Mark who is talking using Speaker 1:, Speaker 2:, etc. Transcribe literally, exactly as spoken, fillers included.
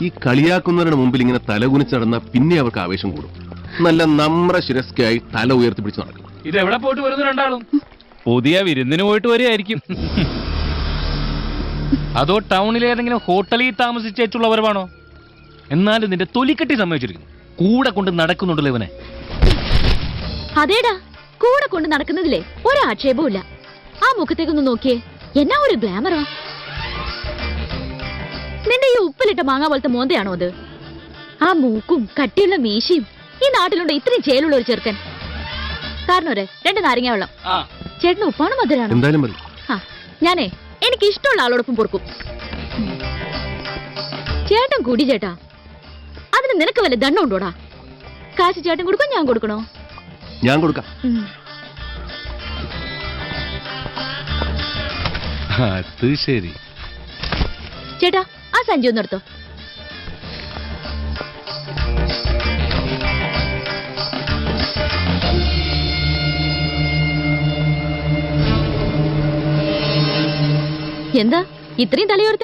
Speaker 1: ഈ കളിയാക്കുന്നവരുടെ മുമ്പിൽ ഇങ്ങനെ തലകുനിച്ച് നടന്ന പിന്നെ അവർക്ക് ആവേശം കൂടും. നല്ല നമ്ര ശിരസ്കായി തല ഉയർത്തിപ്പിടിച്ച് നടക്കും.
Speaker 2: ഇത് എവിടെ പോയിട്ട് വരുന്നു രണ്ടാളും?
Speaker 3: പുതിയ വിരുന്നിന് പോയിട്ട് വരികയായിരിക്കും. അതോ ടൗണിലെ ഏതെങ്കിലും ഹോട്ടലിൽ താമസിച്ചുള്ളവരവാണോ? എന്നാലും നിന്റെ തൊലിക്കെട്ടി സമ്മതിച്ചിരിക്കുന്നു. കൂടെ കൊണ്ട് നടക്കുന്നുണ്ടല്ലോ ഇവനെ.
Speaker 4: അതേടാ, കൂടെ കൊണ്ട് നടക്കുന്നതിലേ ഒരാക്ഷേപവും ഇല്ല. ആ മുഖത്തേക്കൊന്ന് നോക്കിയേ, എന്നാ ഒരു ഗ്ലാമറാ. നിന്റെ ഈ ഉപ്പിലിട്ട മാങ്ങ പോലത്തെ മോന്തയാണോ അത്? ആ മൂക്കും കട്ടിയുള്ള മീശയും. ഈ നാട്ടിലുണ്ട് ഇത്രയും ചേലുള്ള ഒരു ചെറുക്കൻ. കാരണം ഒരേ രണ്ട് നാരങ്ങ വെള്ളം. ചേട്ടന് ഉപ്പാണ് മധുരാണോ?
Speaker 1: എന്തായാലും മതി.
Speaker 4: ആ ഞാനേ എനിക്ക് ഇഷ്ടമുള്ള ആളോടൊപ്പം പൊറുക്കും. ചേട്ടൻ കൂടി ചേട്ടാ, അതിന് നിനക്ക് വല്ല ദണ്ണം ഉണ്ടോടാ? കാശ് ചേട്ടൻ കൊടുക്കും, ഞാൻ കൊടുക്കണോ?
Speaker 1: ഞാൻ കൊടുക്കാം.
Speaker 3: അത് ശരി.
Speaker 4: ചേട്ടാ ആ സഞ്ചി ഒന്ന് എടുത്തോ. എന്താ ഇത്രയും തലയോർത്ത്?